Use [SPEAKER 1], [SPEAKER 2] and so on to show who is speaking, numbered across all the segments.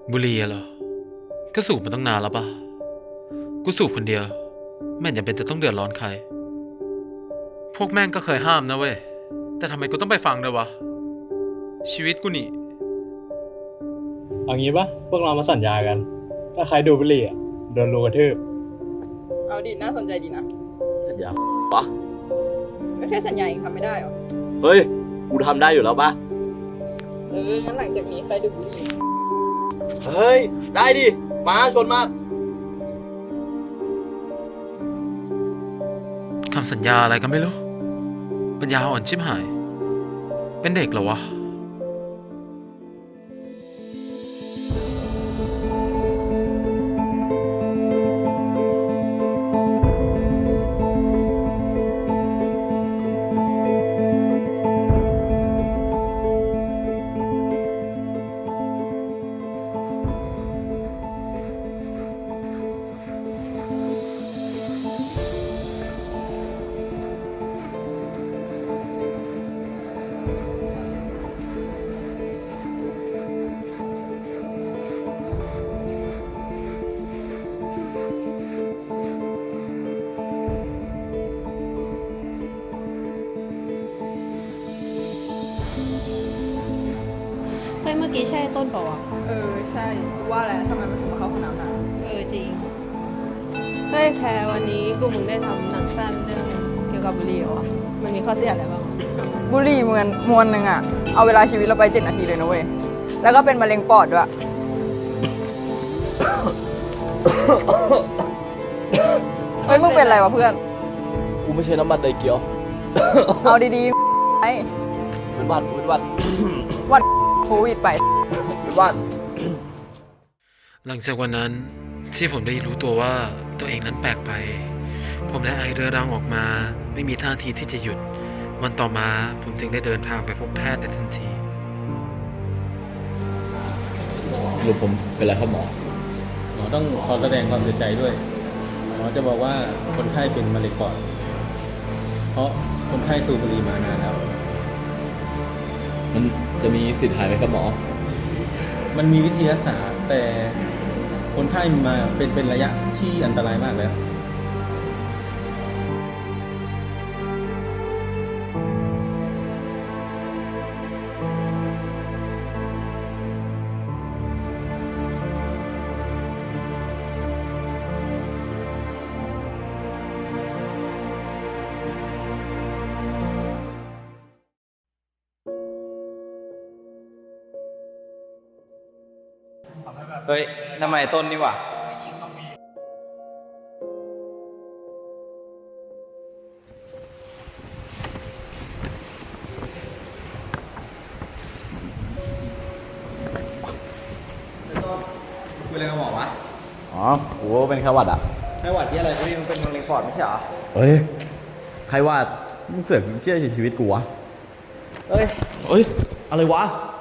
[SPEAKER 1] บุหรี่เหรอก็สูบมาตั้งนานแล้วปะกูสูบคนเดียวไม่จำเป็นจะต้องเดือดร้อนใครพวกแม่งก็เคยห้ามนะเว้ยแต่ทำไมกูต้องไปฟังด้วยวะชีวิตกูนี่
[SPEAKER 2] เอางี้ปะพวกเรามาสัญญากัน ถ้าใครดูดบุหรี่อ่ะโดนรูกระทืบ
[SPEAKER 3] เอาดิน่าสนใจดีนะ
[SPEAKER 4] สัญญาปะ
[SPEAKER 3] ก็แค่สัญญาเองทำไม่ได้หรอ
[SPEAKER 4] เฮ้ย กูทำได้อยู่แล้วปะ
[SPEAKER 3] งั้นหลังจากนี้ใครดูบุหรี่
[SPEAKER 4] เฮ้ย ได้ดิ มาชนมา
[SPEAKER 1] คำสัญญาอะไรก็ไม่รู้ปัญญาอ่อนชิบหายเป็นเด็กเหรอวะ
[SPEAKER 5] เฮ้ยเมื่อกี้ใช่ต้นเปล่าวะ
[SPEAKER 3] ใช่กูว่าแล้วทำไมมันถึงมาเข้าห้องน้ำนาน
[SPEAKER 5] จริง เฮ้ยแพรวันนี้กูมึงได้ทำหนังสั้นเรื่องเกี่ยวกับบุหรี่เหรอวะมันมีข้อเสียอะไรบ้างวะ
[SPEAKER 3] บุหรี่มวนหนึ่งอะเอาเวลาชีวิตเราไป7 นาทีเลยนะเว้ย แล้วก็เป็นมะเร็งปอดด้วย เฮ้ยมึงเป็นอะไรวะเพื่อน
[SPEAKER 4] กูไม่ใช่น้ำมันไดเกียว
[SPEAKER 3] เอาดีๆไอ้
[SPEAKER 4] เป็นหวัดเป็นหวัด
[SPEAKER 3] วันโควิดไป
[SPEAKER 4] เป็นหวัด
[SPEAKER 1] หลังจากวันนั้นที่ผมได้รู้ตัวว่าตัวเองนั้นแปลกไปผมได้ไอเรื้อรังออกมาไม่มีท่าทีที่จะหยุดวันต่อมาผมจึงได้เดินทางไปพบแพทย์ในทันที
[SPEAKER 4] สรุปผมเป็นอะไรครับหมอ
[SPEAKER 2] หมอต้องขอแสดงความเสียใจด้วย หมอจะบอกว่าคนไข้เป็นมะเร็งปอด เพราะคนไข้สูบบุหรี่มานานแล้ว
[SPEAKER 4] มันจะมีสิทธิ์หายไหมครับหมอ
[SPEAKER 2] มันมีวิธีรักษาแต่คนไข้มาเป็นระยะที่อันตรายมากแล้ว
[SPEAKER 6] เฮ้ยทำไมต้นนี่วะคุยอะไรกับหมอวะ
[SPEAKER 4] อ๋อ กูว่าเป็นไข้หวัดอ่ะ
[SPEAKER 6] ไข้หวัดที่อะไรที่มันเป็นมะเร็งปอดไม่ใช่เหรอ
[SPEAKER 4] เฮ้ย ไข้หวัดมึงเสือกเชื่อชีวิตกูวะ
[SPEAKER 6] เฮ้ย
[SPEAKER 4] เฮ้ย อะไรวะ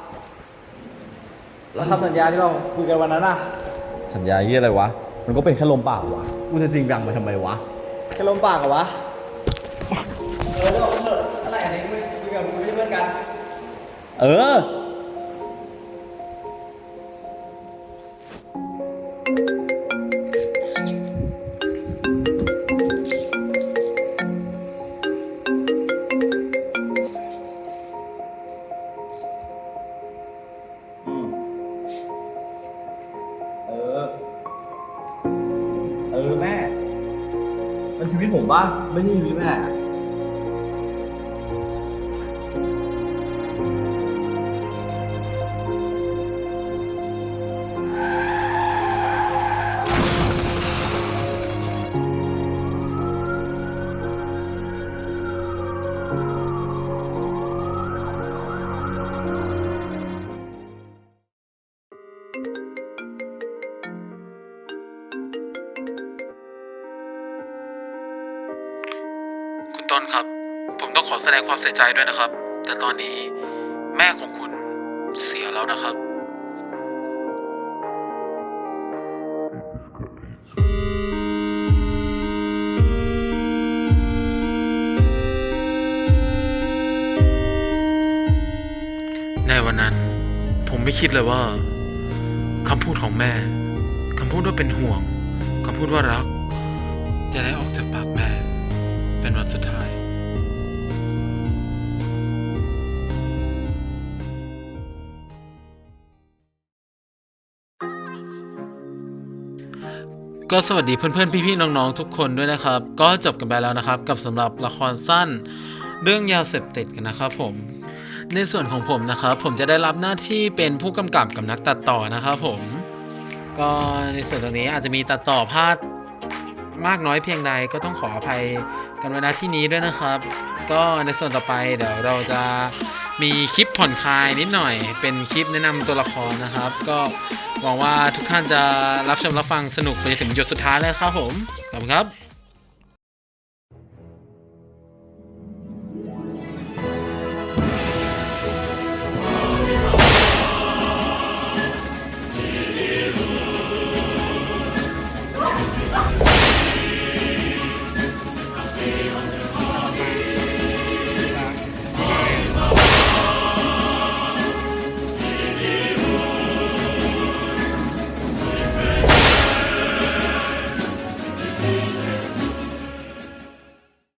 [SPEAKER 6] แล้วคำสัญญาที่เราคุยกันวันนั้นอะ
[SPEAKER 4] สัญญาเยี่ยอะไรวะ มันก็เป็นแค่ลมปากวะ กูจะจริงจังมาทำไมวะ
[SPEAKER 6] แค่ลมปากเหรอวะ เลิกเถอะอะไรอันนี้ไม่คุยกับมึงไม่ใช่เพื่อนกัน
[SPEAKER 4] เออ แม่ มันชีวิตผมปะไม่ใช่ชีวิตแม่
[SPEAKER 1] คุณต้นครับ ผมต้องขอแสดงความเสียใจด้วยนะครับ แต่ตอนนี้แม่ของคุณเสียแล้วนะครับ ในวันนั้นผมไม่คิดเลยว่าคำพูดของแม่ คำพูดว่าเป็นห่วง คำพูดว่ารัก จะได้ออกจากปากแม่ เป็นวันสุดท้าย ก็สวัสดีเพื่อนๆพี่ๆน้องๆทุกคนด้วยนะครับ ก็จบกันไปแล้วนะครับกับสำหรับละครสั้นเรื่องยาเสพติดกันนะครับผมในส่วนของผมนะครับผมจะได้รับหน้าที่เป็นผู้กำกับกับนักตัดต่อนะครับผมก็ในส่วนตรงนี้อาจจะมีตัดต่อพลาดมากน้อยเพียงใดก็ต้องขออภัยกันไว้ณที่นี้ด้วยนะครับ ก็ในส่วนต่อไปเดี๋ยวเราจะมีคลิปผ่อนคลายนิดหน่อยเป็นคลิปแนะนำตัวละครนะครับก็หวังว่าทุกท่านจะรับชมรับฟังสนุกไปจนถึงหยดสุดท้ายเลยครับผมขอบคุณครับ